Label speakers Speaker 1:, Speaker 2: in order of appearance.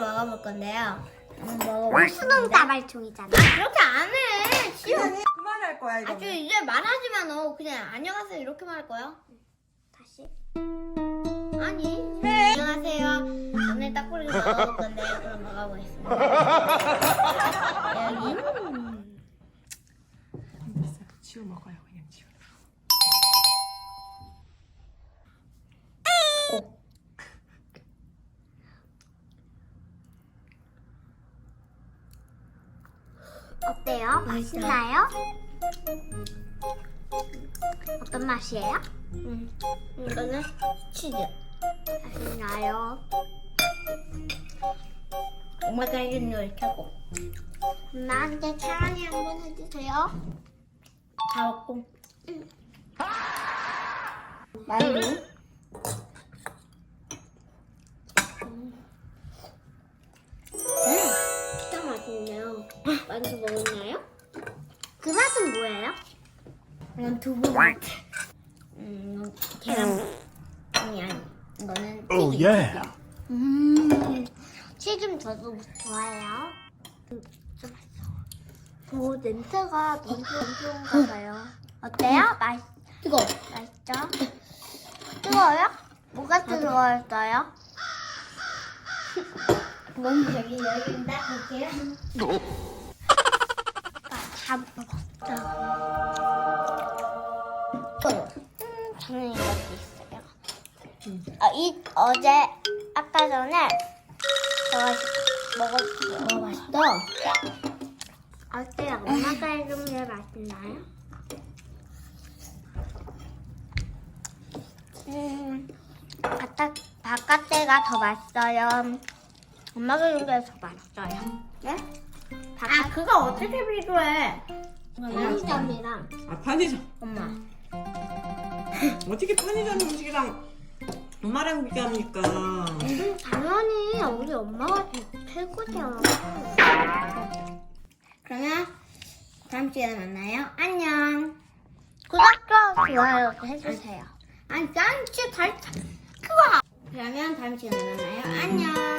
Speaker 1: 먹어볼 건데요.
Speaker 2: 수동 다발총이잖아.
Speaker 1: 그렇게 안 해. 싫어.
Speaker 3: 그만할 거야 이거.
Speaker 1: 아주 이제 말하지만 그냥 안녕하세요 이렇게 말할 거야.
Speaker 2: 다시.
Speaker 1: 아니. 안녕하세요. 오늘 딱꼬리를 먹어볼 건데 그럼 먹어보겠습니다. 여기.
Speaker 3: 지워 먹어요 그냥 지워.
Speaker 2: 어때요? 맛있나요? 어떤 맛이에요?
Speaker 1: 이거는 치즈.
Speaker 2: 맛있나요?
Speaker 1: 엄마가 해준 요리 최고.
Speaker 2: 엄마한테 사랑해 한번 해주세요.
Speaker 1: 다 먹고. 맛있니?
Speaker 2: 진짜 맛있네요. 만두 먹었나요? 그 맛은 뭐예요?
Speaker 1: 이건 두부 맛. 계란. 아니. 이거는
Speaker 4: Oh
Speaker 1: 튀김.
Speaker 4: yeah.
Speaker 2: 튀김 저도 좋아해요. 진짜 맛있어. 오, 냄새가 너무 좋은가 봐요. 어때요?
Speaker 1: 뜨거워.
Speaker 2: 맛있죠? 뜨거워요? 뭐가 뜨거웠어요?
Speaker 1: 몸 여기 딱 볼게요.
Speaker 2: 다 먹었죠. 저는 이것도 있어요. 어제 아까 전에 제가 먹었어요.
Speaker 1: 맛있다.
Speaker 2: 어때요? 엄마가 해준 게 맛있나요? 바깥에가 더 맛있어요. 엄마가 해준 게 더 맛있어요.
Speaker 1: 네? 그거 어떻게 비교해?
Speaker 2: 편의점이랑
Speaker 3: 아 편의점.
Speaker 1: 엄마.
Speaker 3: 어떻게 편의점 음식이랑 엄마랑 비교합니까?
Speaker 2: 당연히 우리 엄마가 최고죠.
Speaker 1: 그러면 다음 시간에 만나요. 안녕.
Speaker 2: 구독과 좋아요 해주세요.
Speaker 1: 아니, 난 진짜 그거. 그러면 다음 시간에 만나요. 안녕.